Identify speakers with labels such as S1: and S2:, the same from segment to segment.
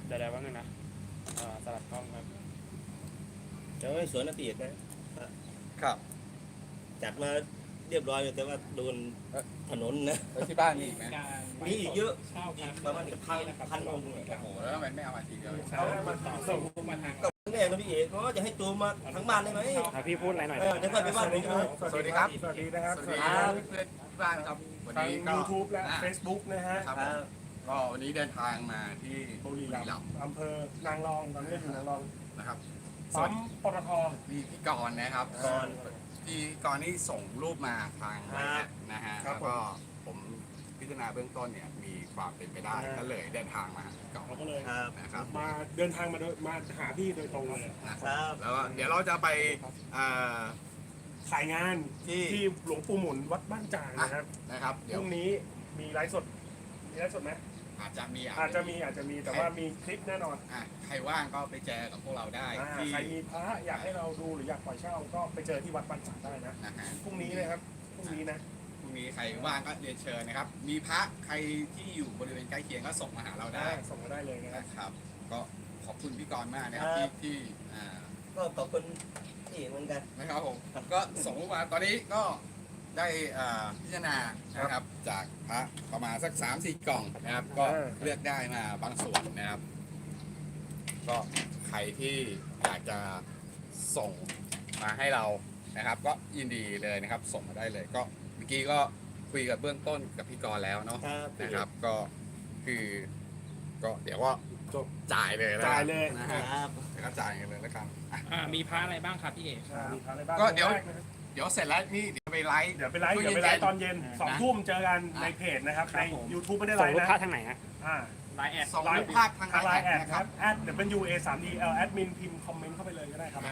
S1: เดี๋ยวว่าไงนะสลับกล้องครับ
S2: จะไม่สวนนะพี่เอกนะครับ จัดมาเรียบร้อยแต่ว่าโดนถนนนะ
S3: แล้วที่บ้านมีอีกไหม
S2: มีอีกเยอะ
S1: เช่า
S2: อีกประมาณพันองค์
S3: โอ้โหแล้วทำไมไม่เอามาทีเดียว
S1: เช่ามาต่อส่งมาทาง
S2: ก็แรกนะพี่เอกเขาจะให้ตัวมาทั้งบ้านได้ไหม
S1: พี่พูดอะไรหน่อย
S2: เดี๋ยวค่อยไปบ้านผม
S3: สวัสดีครับ
S4: สวัสดีนะครับ
S3: สวัสดีครับเพื่อนๆที่บ้านครับวัน
S4: ทาง
S3: นี้ก็
S4: YouTube และ Facebook นะฮะ
S3: ครับผมก็วันนี้เดินทางมาที่
S4: บุรีรัมย์อำเภอนางรองตอนนี้อยู่นางรอง
S3: นะครับ
S4: ปั๊มปตท
S3: มีพี่กรณ์นะครับพี่กรณ์นี่ส่งรูปมาทางไลน์นะฮะแล้วก็ผมพิจารณาเบื้องต้นเนี่ยมีความเป็นไปได้ก็เลยเดินทางมาหาพี่กร
S4: เรา
S3: ณ์
S4: ก็เลย
S2: ครับ
S3: นะครับ
S4: มาเดินทางมาหาพี่โดยตรงเลย
S2: ครับ
S3: แล้วก็เดี๋ยวเราจะไป
S4: ขายงาน
S3: ที่
S4: ที่หลวงปู่หมุนวัดบ้านจางนะครับ
S3: นะครับ
S4: พ
S3: เดี๋ยว
S4: รุ่งนี้มีไลฟ์สดไหม
S3: อาจจะมี
S4: อาจจะมีแต่ว่ามีคลิปแน่นอน
S3: ใครว่างก็ไปเจอกับพวกเราได้ที่
S4: ใครมีพระอยากให้เราดูหรืออยากปล่อยเช่าก็ไปเจอที่วัดบ้านจางได้นะ
S3: นะฮะ
S4: พรุ่งนี้นะครับพรุ่งนี้นะ
S3: พรุ่งนี้ใครว่างก็เรียนเชิญนะครับ มีพระใครที่อยู่บริเวณใกล้เคียงก็ส่งมาหาเราได้
S4: ส่งมาได้เลยนะครับ
S3: นะครับ ก็ขอบคุณพี่กรณ์มากนะครับที่
S2: ก็ขอบคุณพี่เอกเหมือนกัน
S3: นะครับผมก็ส่งมาตอนนี้ก็ได้พิจารณานะครับจากพระประมาณสัก 3-4 กล่องนะครับ ก็เลือกได้มาบางส่วนนะครับ ก็ใครที่อยากจะส่งมาให้เรานะครับ ก็ยินดีเลยนะครับ ส่งมาได้เลย ก็เมื่อกี้ก็คุยกับเบื้องต้นกับพี่กรณ์แล้วเนาะ
S2: ครับ
S3: นะครับ ก็คือก็เดี๋ยวก็จ่ายเลยนะ
S4: จ่ายเลย
S3: นะ
S2: ค
S3: ฮะ
S2: รับ
S3: แล้วก็จ่ายกันเลยแล้วกันอ่ะ
S1: มีพระอะไรบ้างครับพี่เอก
S4: มีพระอะไรบ้าง
S3: ก็เดี๋ยว
S4: แรนะครับ
S3: เดี๋ยวเสร็จแล้วนี่เดี๋ยวไปไลฟ์
S4: เดี๋ยวไปไลฟ์ตอนเย็น2 ทุ่มเจอกันในเพจนะครับใน YouTube ไม่ได้ไล
S1: ส่ง
S4: ฟ์
S1: รูป
S4: นะ
S1: พระทางไหนฮะ
S4: ไลน์แอด
S3: ส่งรูปภาพทาง
S4: ไลน์แอด
S3: นะ
S4: ค
S3: ครั
S4: รับ บ@WA3DL แอดมินพิมพ์คอมเมนต์เข้าไปเลยก็ได้ครับ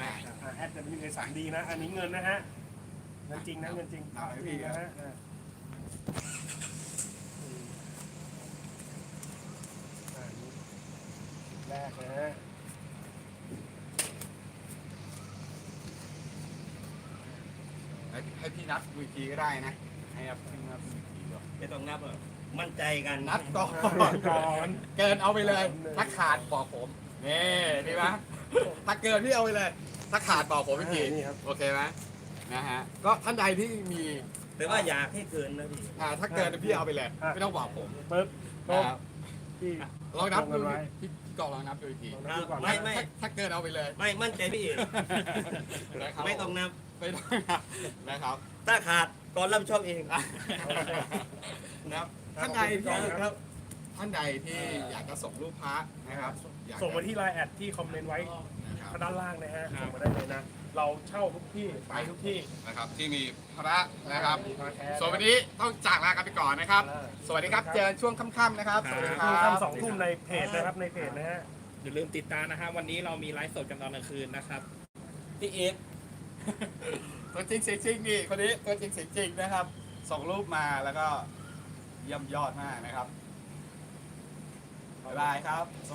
S4: @WA3D นะอันนี้เงินนะฮะเงินจริงนะเงินจริงจริงนะฮะแรกนะฮะ
S3: ให้พี่นับดูอีกทีก็ได้นะให้พี่นับดูอีกทีก่อน
S2: ไม่ต้องนับมั่นใจกัน
S3: นับก่อน
S4: ก่อน
S3: เกินเอาไปเลยถ้าขาดบอกผมนี่ดีไหมถ้าเกินพี่เอาไปเลย ถ้าขาดบอกผมอีกที
S4: นี่ครับ
S3: โอเคไหมนะฮะก็ท่านใดที่มี
S2: แต่ว่าอยากให้เกินนะพี่
S3: ถ้าเกินพี่เอาไปเลยไม่ต้องบอกผม
S4: ปึ๊บ
S3: นะครับ
S4: ที่
S3: ลองนับดู
S4: ลงกันไว้
S3: พี่กองลองนับดูอีกที
S4: ดูก่อน
S2: ไม่
S3: ถ้าเกินเอาไปเลย
S2: ไม่มั่นใจพี่เอก
S3: นะครับ
S2: ไม่ต้องนับ
S3: ไม่ต้องนับนะครับ
S2: ถ้าขาดก่อนรับผิดชอบเอง
S3: นะครับท่านใดที่ครับท่านใดที่อยากจะส่งรูปพระนะครับอยกจะ
S4: ส่งมาที่ไลน์แอดที่คอมเมนต์ไว้
S3: นะครับ
S4: ด้านล่างนะฮะส่งมาได้เลยนะ เราเช่าทุกที่ไปทุกที่
S3: นะครับที่มีพระนะครับ
S4: มีพระแท้
S3: ส่วนวันนี้ต้องจากลากันไปก่อนนะครับ สวัสดีครับเจอช่วงค่ำๆนะครับ สวัสดีค
S4: ทุ่
S3: รั
S4: ม
S3: บ
S4: 2 ทุ่มในเพจนะครับในเพจนะฮะ
S1: อย่าลืมติดตามนะฮะวันนี้เรามีไลฟ์สดกันตอนกลางคืนนะครับ
S2: พี่เอก
S3: ตัวจริงเสียงจริงนี่คนนี้ตัวจริงเสียงจริงนะครับ ส่งรูปมาแล้วก็เยี่ยมยอดมากนะครับบ๊ายบายครับ